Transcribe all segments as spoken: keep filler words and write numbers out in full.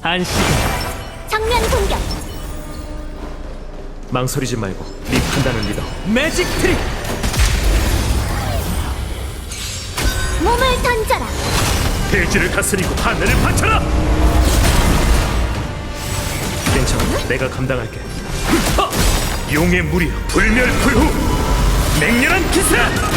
안식은 정면 공격. 망설이지 말고 네 판단을 믿어. 매직 트릭. 몸을 던져라. 대지를 다스리고 하늘을 바쳐라. 괜찮아, 내가 감당할게. 하! 용의 무리 불멸불후 맹렬한 기세.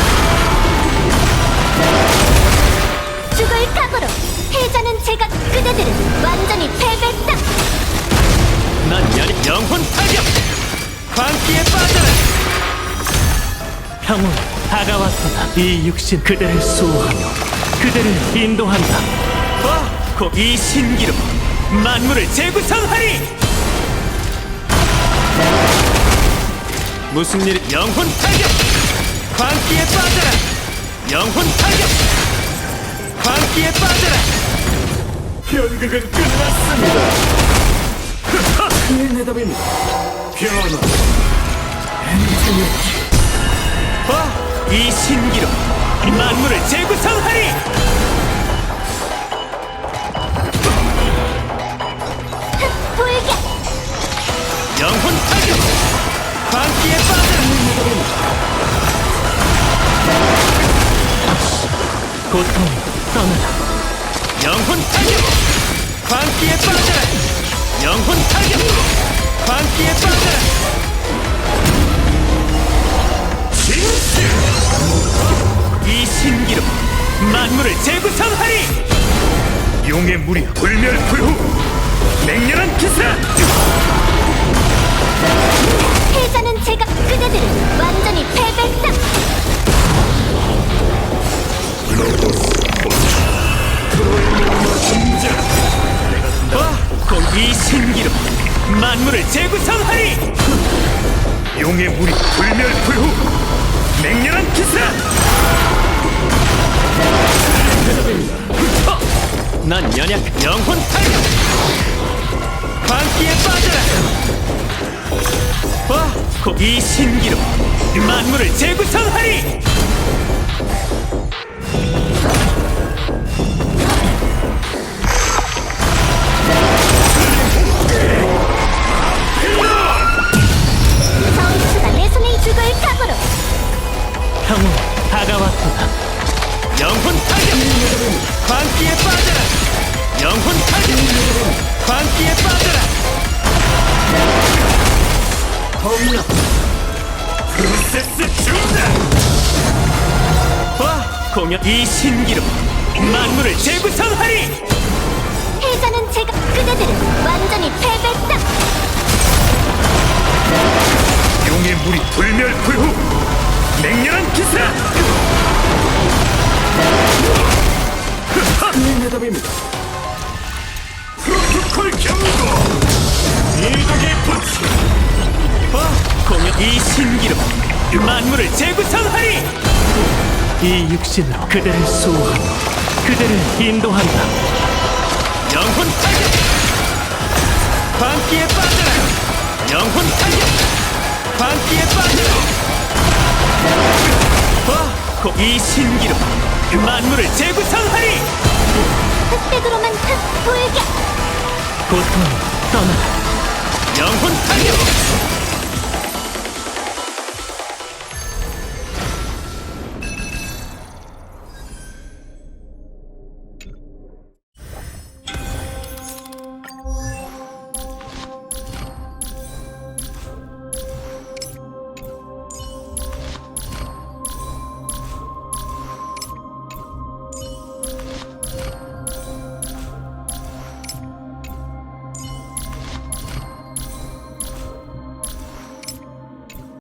죽을 각오로. 패자는 제가 그대들은 완전히 패배다. 난 연, 영혼 타격. 광기에 빠져라. 평온 다가왔구나. 이 육신 그대를 수호하며 그대를 인도한다. 와, 곧 이 신기로 만물을 재구성하리. 무슨 일? 영혼 타격. 광기에 빠져라. 영혼 타격. 광기에 빠져라. 연극은 끝났습니다. 큰 해답입니다. 변화. 와, 이 신기로 만물을 재구성하리. 불격. 영혼 타격. 광기에 빠져라. 고통 떠나라. 영혼 타격. 광기에 빠져라. 영혼 타격. 광기에 빠져라. 이 신기로 만물을 재구성하리. 용의 무리 불멸불후 맹렬한 기세. 패자는 제가 그대들은 완전히 패배다. 와, 곧 이 신기로 만물을 재구성하리. 용의 무리 불멸불후 맹렬한 기세. 난 연약 영혼 타격. 광기에 빠져라. 와, 곧 이 신기로 만물을 재구성하리. 전투가 내 손에 죽을 각오로. 평온 다가왔구나. 영혼 타격. 광기에 빠져라. 영혼 타격. 광기에 빠져라. 프로세스 중단. 와, 공연 이 신기로 만물을 재구성하리. 패자는 제가 그대들은 완전히 패배다. 용의 무리 불멸불후 맹렬한 기세. 큰 해답입니다. 프로토콜 경고. 이동의 부치. 와, 공연 이 신기로 만물을 재구성하리. 이 육신으로 그대를 수호하고 그대를 인도한다. 영혼 타격. 광기에 빠져라. 영혼 타격. 광기에 빠져라. 와, 곧 이 신기로 만물을 재구성하리. 흑백으로만 흑 불격. 고통 떠나라. 영혼 타격.